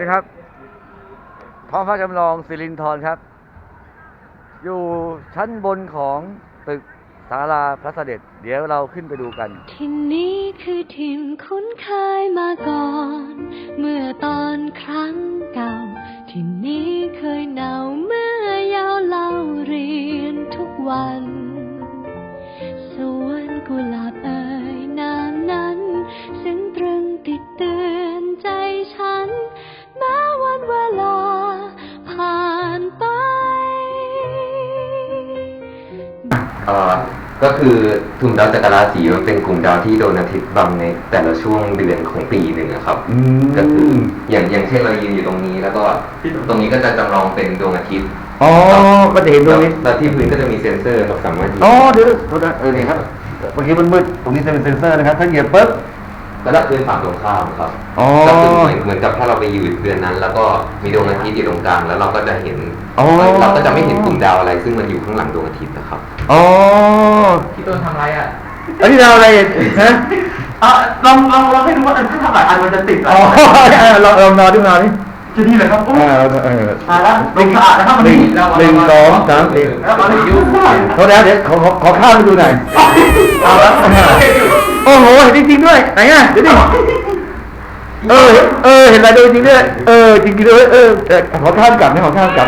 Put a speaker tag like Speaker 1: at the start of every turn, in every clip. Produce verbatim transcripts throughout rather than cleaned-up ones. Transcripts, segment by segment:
Speaker 1: ดีครับท้องฟ้าจำลองสิรินธรครับอยู่ชั้นบนของตึกศาลาพระเสด็จเดี๋ยวเราขึ้นไปดูกัน
Speaker 2: ที่นี้คือถิ่นคุ้นเคยมาก่อนเมื่อตอนครั้งเก่าที่นี้เคยหนาวเมื่อยาวเล่าเรียนทุกวันสวนกุหลาบเอ่ยน้ำนั้นซึ่งตรึงติดเตือนใจฉันแม้วันเวลาผ่านไป
Speaker 3: เอ่อก็คือทุมดาวจักรราศีมันเป็นกลุ่มดาวที่โดนอาทิตย์บังในแต่ละช่วงเดือนของปีหนึ่งครับก็คืออย่างอย่างเช่นเรายืนอยู่ตรงนี้แล้วก็ตรงนี้ก็จะจำลองเป็นดวงอาทิตย์
Speaker 1: อ๋อก็จะเห็นดวงนี้
Speaker 3: แล้วที่พื้นก็จะมีเซ็นเซอร์เราสามารถ
Speaker 1: อ๋อเดี๋ยวเออเนี่ยครับเมื่อกี้มันมืดตรงนี้จะเป็นเซ็นเซอร์นะครับถ้าเหยียบปุ๊บ
Speaker 3: แล้วก็คือฝั่งตรงข้ามครับก็คือเหมือนเหมือนกับถ้าเราไปอยู่เดือนนั้นแล้วก็มีดวงอาทิตย์อยู่ตรงกลางแล้วเราก็จะเห็นเราก็จะไม่เห็นกลุ่มดาวอะไรซึ่งมันอยู่ข้างหลังดวงอาทิตย์นะครับ
Speaker 1: อ๋อ
Speaker 3: พี่ต้นทำอะไรอ่ะ
Speaker 1: อันนี้ดาวอะไรฮะ
Speaker 3: อ่ะลองลองลองให้ดูว่าถ้าทำหลายอันมันจะติด
Speaker 1: อ๋อลองลองนอนดูนอนนี่
Speaker 3: จะดีเลยครับ
Speaker 1: อ่าเออ
Speaker 3: มาแล้วลงสะอาดนะครับ
Speaker 1: หนึ่งหนึ่งสองสามสี่
Speaker 3: แล้วมาเลยยุ่ง
Speaker 1: เขาแล้วเดี๋ยวขอขอข้าวไปดูหน่อยเอาละโอ้โหเห็นจริงๆด้วยไหนอ่ะเดี๋ยวดิเออเออเห็นอะไรดูจริงด้วยเออจริงๆด้วยเออขอข้ามกลับไม่ขอข้ามกลับ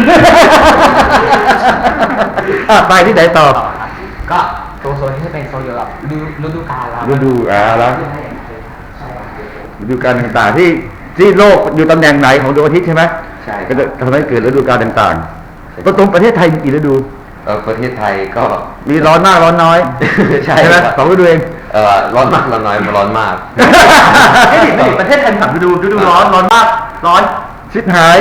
Speaker 1: อ่ะไปที่ไหนต่อ
Speaker 3: ก็โซนโซนนี้จะเป็นโซนเกี่ยวกับฤดูกาลแล้ว
Speaker 1: ฤดูอ่าแล้วฤดูกาลต่างๆที่ที่โลกอยู่ตำแหน่งไหนของดวงอาทิตย์ใช่ไหม
Speaker 3: ใช่
Speaker 1: ก็จะทำให้เกิดฤดูกาลต่างๆประตูประเทศไทยมีกี่ฤดู
Speaker 3: เออประเทศไทยก็
Speaker 1: มีร้อนมากร้อนน้อยใช่ไหมสองฤดูเอง
Speaker 3: เออร้อนมากร้อนน้อยร้อนมาก
Speaker 1: ไม่ผิดไม่ผิดประเทศไทยสามฤดูฤดูร้อนร้อนมากร้อนชิดหาย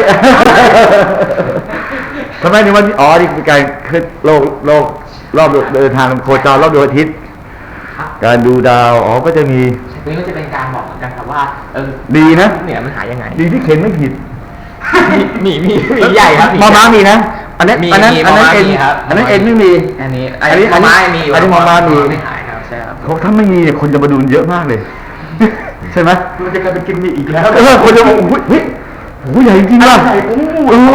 Speaker 1: ทำไมถึงวันอ๋อนี่คือการขึ้นโลกโลกรอบเดินทางโคจรรอบดวงอาทิตย์การดูดาวอ๋อก็จะมี
Speaker 3: นี่ก็จะเป็นการบอกเหมือนกันครับว่าเออ
Speaker 1: ดีนะ
Speaker 3: เนี่ยมันหายังไง
Speaker 1: ดีที่เข็นไม่ผิด
Speaker 3: มีมีมีใหญ่ครับ
Speaker 1: มอม้ามีนะอันนั้นอันนั้นอันนั้นเอ็นอันนั้นเอ็นไม่มี
Speaker 3: อันนี้อันนี้มอม้ามี
Speaker 1: อันนี้มอม้ามี
Speaker 3: ไม่หายครับใช่ครับ
Speaker 1: เขาถ้าไม่มีเนี่ยคนจะมาดูเยอะมากเลยใช่ไหม
Speaker 3: มันจะกลายเป็นกินมีอีกแล้ว
Speaker 1: เออคนจะบอกเฮ้ยโอ้ใหญ่จริงว่ะโอ้โห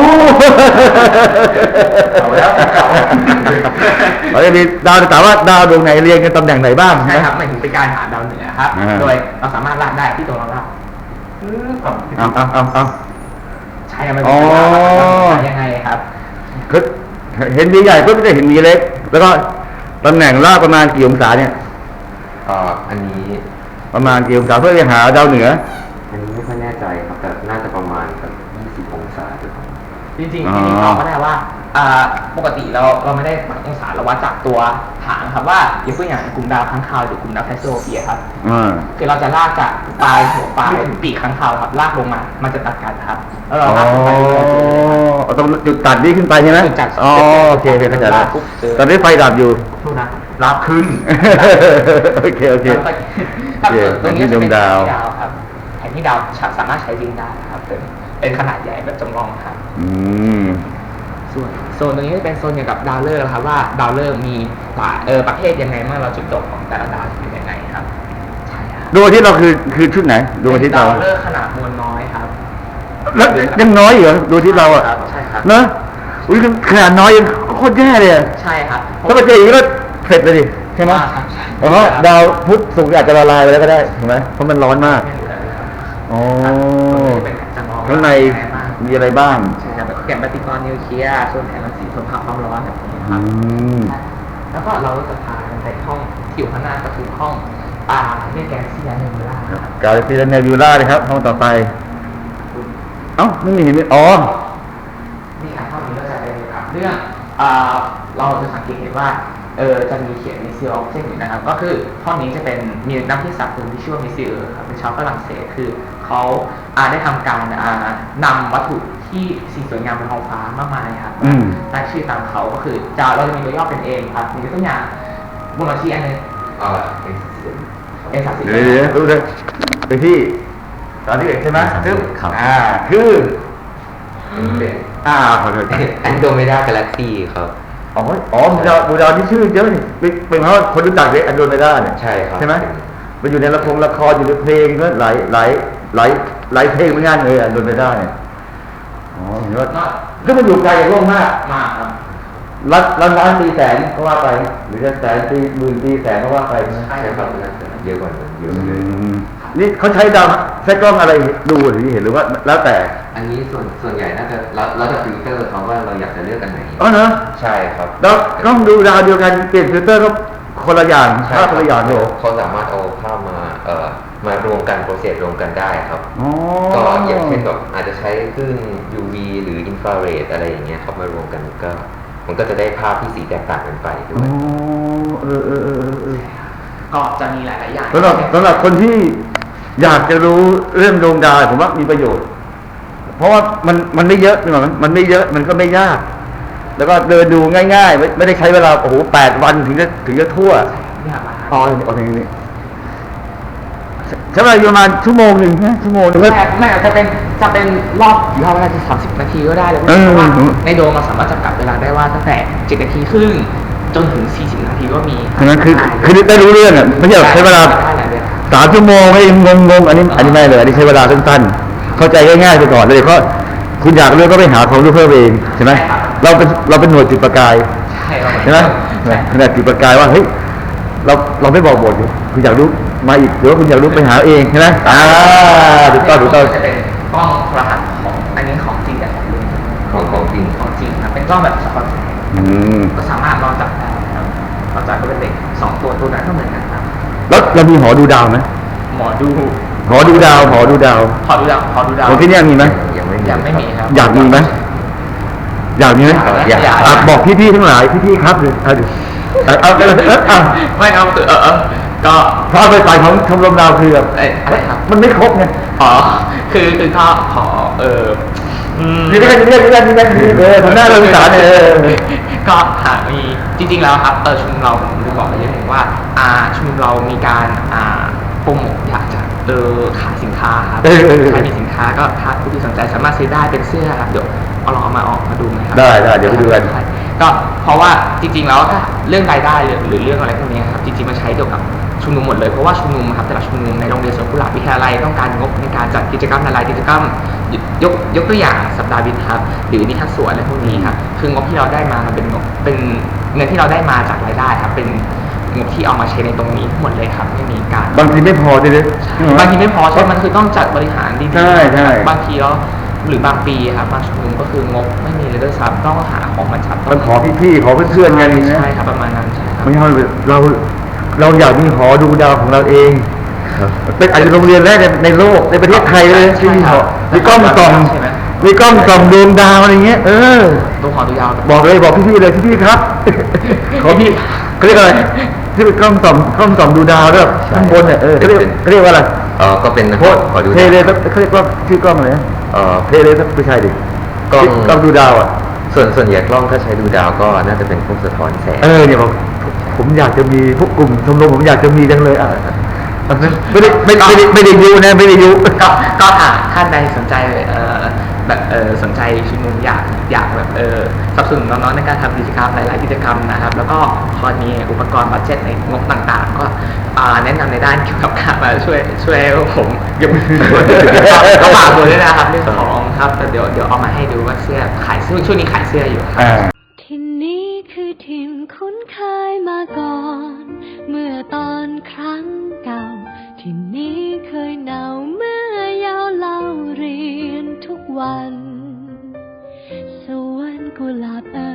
Speaker 1: เอาแล้วเราจะมีดาวแต่ว่าดาวดวงไหนเรียงกันตำแหน่งไหนบ้าง
Speaker 3: ใช่ครับหมายถึงเป็นการหาดาวเหนือครับโดยเราสามารถลากได้ที่ตัวเราลาก
Speaker 1: เอาเอาเอาเอา
Speaker 3: ใช่มันยังไงครับ
Speaker 1: คือเห็นมีใหญ่ก็จะเห็นมีเล็กแล้วก็ตำแหน่งลากประมาณกี่องศาเนี่ย
Speaker 3: อ่าอันนี้
Speaker 1: ประมาณกี่องศาเพื่อจะหาดาวเหนือ
Speaker 3: อันนี้ไม่ค่อยแน่ใจครับแต่น่าจะประมาณสักยี่สิบองศาจริงจริงจริงๆตอบก็ได้ว่าปกติเราเราไม่ได้วัดองศาเราวัดจากตัวหางครับว่าอย่างเช่นอย่างกลุ่มดาวค้างคาวหรือกลุ่มดาวแคสโซเฟียครับคือเราจะลากจากปลายหัวปลายปีกค้างคาวครับลากลงมามันจะตัดกันครับแล้วเราลากไป
Speaker 1: เอาตรงจุดตัดนี้ขึ้นไปใช่ไหมอ๋อโอเคเข้าใจแล้วตอนนี้ไฟดับอยู่
Speaker 3: นะรับขึ้น
Speaker 1: โอเคโอเค
Speaker 3: ตรงนี้จะเป็นดาวครับแผนที่ดาวสามารถใช้จริงได้ครับเป็นขนาดใหญ่แบบจำลองครับส่วนโซนตรงนี้จะเป็นโซนเกี่ยวกับดาวฤกษ์ครับว่าดาวฤกษ์มีเออประเภทยังไงเมื่อเราจุดจบของแต่ละดาวเป็นยังไงครับ
Speaker 1: ใช่ครับดวงอาทิตย์เราคือคือชุดไหนดวงอาทิตย์เรา
Speaker 3: ดาวฤกษ์ขนาดมวลน้อยครับ
Speaker 1: แล้วยังน้อยเหรอดวงอาทิตย์เราอ่ะ
Speaker 3: ใช่ครับ
Speaker 1: เนอะอุ้ยขนาดน้อยยังโคตรแย่เลย
Speaker 3: ใช่ครับ
Speaker 1: ถ้ามาเจออย่างนี้ก็เสร็จเลยดิใช่ไหมเพราะดาวพุธศุกร์อาจจะละลายไปแล้วก็ได้ถูกไหมเพราะมันร้อนมากอ๋อข้างในมีอะไรบ้าง
Speaker 3: ใช่ครับแก่นปฏิกรณ์นิวเคลียร์ส่วนแผงรังสีส่วนภาพความร้อนแบบนี้ครับแล้วก็เราจะพาไปห้องที่อยู่ข้างหน้าก็คือห้องอ่าเรียกแกนซีเนบิวล่าครับ
Speaker 1: กาแล็กซี่เนบิวล่าเลยครับห้องต่อไปเอ้าไม่มีไม่อ๋อ
Speaker 3: นี่ครับห้องนี้ก็จะเป็นเรื่องอ่าเราจะสังเกตเห็นว่าเออจะมีเขียนมิสซิลออกเจนอยู่นะครับก็คือห้องนี้จะเป็นมีนักวิทยาศาสตร์คนที่ชื่อว่ามิสซิลครับเป็นชาวฝรั่งเศสคือเขาอาได้ทำการนำวัตถุที่สีสวยงามบนท้องฟ้ามากมายครับตั้งชื่อตามเขาก็คือจะเราจะมีตัวย่อเป็นเองครับมีตัวอย่างบนอาชีพอันนึงเออเอสสิบ
Speaker 1: เดี๋ยวรู้เลยไปที่ตอนที่เอกใช่ไหมซึ่งอ่าคืออ่าขอโทษ
Speaker 3: แอนโดเมดากาแล็กซี่ครับ
Speaker 1: อ๋ออ๋อดาวบูดาวที่ชื่อเยอะนี่เป็นเพราะว่าคนรู้จักเลยอันโดเมดาเนี่ย
Speaker 3: ใช่ครับ
Speaker 1: ใช่ไหมมันอยู่ในละครละครอยู่ในเพลงก็หลายหลายหลายหลายเพลงเหมือนกันเลยอ่ะโดนไปได้อ๋อเห็นว่าก็มันอยู่ไกลจากโลกมาก
Speaker 3: มากครับ
Speaker 1: ล้านล้านล้านตีแสนก็ว่าไป หรือจะแสนตีหมื่นตีแสนก็ว่าไปนะ
Speaker 3: ใช่ครับเยอะกว่านั้นเยอะ
Speaker 1: อื
Speaker 3: เลย
Speaker 1: มนี่เขาใช้ดาวใช้กล้องอะไรดูหรือเห็นหรือว่าแล้วแต่
Speaker 4: อันนี้ส่วนส่วนใหญ่น่าจะแล้วแล้วแต่ฟิลเตอร์เขาว่าเราอยากจะเลือกกันไหน
Speaker 1: อ๋อเนอะ
Speaker 4: ใช่ครับ
Speaker 1: แล้วกล้องดูดาวเดียวกันเปลี่ยนฟิลเตอร์ก็คนละอย่าง
Speaker 4: ใช่
Speaker 1: ภาพคนละอย่างโย
Speaker 4: เขาสามารถเอาภาพมาเอ่อมารวมกันโปรเซสรวมกันได้ครับ
Speaker 1: อ๋อ
Speaker 4: ก็อย่างเช่นแบบอาจจะใช้คลื่น ยู วี หรืออินฟราเรดอะไรอย่างเงี้ยครับมารวมกันก็มันก็จะได้ภาพที่สีแตกต่างกันไปด้
Speaker 1: อ๋
Speaker 4: ว
Speaker 1: อย เออเออเออเออ
Speaker 3: ก็จะมีหลายๆอย่าง
Speaker 1: สำหรับสำหรับคนที่อยากจะรู้เรื่องดวงดาวผมว่ามีประโยชน์ เพราะว่ามันมันไม่เยอะใช่ไหมมันไม่เยอะมันก็ไม่ยาก แล้วก็เดินดูง่ายๆ ไม่ไม่ได้ใช้เวลาโอ้โหแปดวันถึงจะถึงจะทั่ว
Speaker 3: เนี่ยมา
Speaker 1: อ๋อเอาอย่างนี้ใช้เวลาอยู่ประมาณชั่วโมงหนึ่งนะชั่วโมงหนึ่ง
Speaker 3: แม่แม่จะเป็นจะเป็นรอบรอบเวลาที่สามสิบนาทีก็ได้เลยเพราะว่าในโดมเราสามารถจำกัดเวลาได้ว่าตั้งแต่เจ็ดนาทีครึ่งจนถึงสี่สิบนาทีก็มี
Speaker 1: ฉะนั้นคือคือได้รู้เรื่องอ่ะไม่ใช่แบบใช้เวลา
Speaker 3: ได้หลายเรื่อง
Speaker 1: สามชั่วโมงให้งงงงๆอันนี้อันนี้ไม่เลยอันนี้ใช้เวลาสั้นๆเข้าใจง่ายๆไปก่อนเลยเพราะคุณอยากรู้ก็ไปหาความรู้เพิ่มเองใช่ไหมเราเป็นเราเป็นหน่วยจุดประกาย
Speaker 3: ใช่ครับ
Speaker 1: ใช่ไหมขนาดจุดประกายว่าเฮ้ยเราเราไม่บอกบทคุณอยากรู้มาอีกหรือว่าคุณอยากรู้ไปหาเองใช่ไหมอ่าถูกต้องถูกต้อง
Speaker 3: จะเป็นกล้องโทรทัศน์ของอันนี้ของจริงแต่ของจริง
Speaker 4: ของของจริง
Speaker 3: ของจริงครับเป็นกล้องแบบสปอตแสง
Speaker 1: อืม
Speaker 3: ก็สามารถนอนจับได้ครับนอนจับก็เป็นเด็กสองตัวตัวนั้นก็เหมือนกันครับ
Speaker 1: แล้วเรามีหอดูดาวไหม
Speaker 3: หมอดู
Speaker 1: หอดูดาวหอดูดาว
Speaker 3: ขอดูดาวขอดูดาว
Speaker 1: ของที่เนี่ยมีไหม
Speaker 4: ยังไม่มี
Speaker 3: ยังไม่มีครับ
Speaker 1: อยากมีไหมอยากมีไหม
Speaker 3: อยากอยาก
Speaker 1: อ่ะบอกพี่ๆทั้งหลายพี่ๆครับเลยเอาดิเอาเอาเอาเอาเอา
Speaker 3: ไม่เอาเออเออก็
Speaker 1: เพราะไปไปของชมรมดาวคือแบบ
Speaker 3: เอ้ยอะไรครับ
Speaker 1: มันไม่ครบไง
Speaker 3: อ๋อคือคือก็ขอเอออืม
Speaker 1: นี่ไม่ได้นี่ไม่ได้นี่ไม่ได้นี่ไม่ได้เออทำหน้าเราสารเออ
Speaker 3: ก็หากมีจริงๆแล้วครับเออชุมนุมเราผมลืมบอกไปนิดนึงว่าอ่าชุมนุมเรามีการอ่าโปรโมทอยากจะเออขายสินค้าครับ
Speaker 1: เออเออเออ
Speaker 3: ใครมีสินค้าก็ถ้าผู้ที่สนใจสามารถซื้อได้เป็นเสื้อครับเดี๋ยวเอาลองเอามาออกมาดูไหมครับ
Speaker 1: ได้ได้เดี๋ยวไปดูกัน
Speaker 3: ใช่ก็เพราะว่าจริงๆแล้วถ้าเรื่องรายได้หรือหรือเรื่องอะไรพวกนี้ครับจริงๆมันใช้เกี่ยวกับชุมนุมหมดเลยเพราะว่าชุมนุมครับแต่ละชุมนุมในโรงเรียนสวนกุหลาบวิทยาลัยต้องการงบในการจัดกิจกรรมหลายๆกิจกรรมยยกยกตัวอย่างสัปดาห์วิทย์ครับหรือนิทรรศสวนอะไรพวกนี้ครับคืองบที่เราได้มามันเป็นงบเป็นเงินที่เราได้มาจากรายได้ครับเป็นงบที่เอามาใช้ในตรงนี้หมดเลยครับไม่มีการ
Speaker 1: บางทีไม่พอด้วยนะ
Speaker 3: บางทีไม่พอใช่มันคือต้องจัดบริหารดีๆ
Speaker 1: ใช่ใช่
Speaker 3: บางทีแล้วหรือบางปีครับบางชุมนุมก็คืองบไม่มีเลยด้วยซ้ำต้องหาของมาจัด
Speaker 1: มันขอพี่ๆขอเพื่อนๆกันนะ
Speaker 3: ใช่ครับประมาณนั้นใช่ครับ
Speaker 1: ไม่ใช่เราเราอยากมีหอดูดาวของเราเองเป็นอาจจะโรงเรียนแรกในในโลกในประเทศไทยเลยที่มีหอมีกล้องส่องมีกล้องส่องดวงดาวอะไรเงี้ยเออ
Speaker 3: ตัวขอดูยาว
Speaker 1: บอกเลยบอกพี่ๆเลยพี่ๆครับ ขอพี่เขาเรียกอะไรที่เป็นกล้องส่องกล้องส่องดูดาวด้วยข้างบนเนี่ยเออเขาเรียกเขาเรียกว่าอะไร
Speaker 4: เออก็เป็น
Speaker 1: โพส
Speaker 4: ขอดู
Speaker 1: เทเลเขาเรียกว่าชื่อกล้องอะไรนะ
Speaker 4: เออ
Speaker 1: เทเลไม่ใช่ดิ
Speaker 4: กล้อง
Speaker 1: กล้องดูดาวอ่ะ
Speaker 4: ส่วนส่วนใหญ่กล้องถ้าใช้ดูดาวก็น่าจะเป็นพวกสะท้อนแสง
Speaker 1: เออเนี่ยผมผมอยากจะมีพวกกลุ่มชมรมผมอยากจะมีจังเลยอ่ะไม่ได้ไม่ได้ไม่ได้ไม่ได้ยุนะไม่ได้ยุ
Speaker 3: ก็ก็หากท่านใดสนใจเอ่อแบบเออสนใจชุมนุมอยากอยากแบบเออสนับสนุนน้องๆในการทำกิจกรรมหลายๆกิจกรรมนะครับ แล้วก็พอมีอุปกรณ์บัดเจ็ตในงบต่างๆ ก็อ่าแนะนำในด้านเกี่ยวกับการมาช่วยช่วยผมยกก็ฝากตัวด้วยนะครับเรื่องของครับแต่เดี๋ยวเดี๋ยวเอามาให้ดูว่าเสื้อขายเสื้อช่วงนี้ขายเสื้ออยู่ครับ
Speaker 1: อ่า
Speaker 2: ที่นี้คือถิ่นคุ้นเคยมาก่อน เมื่อตอนครั้งเก่า ที่นี้เคยหนาวเมื่อยาวเล่าเรียนทุกวัน สวนกุหลาบเอ่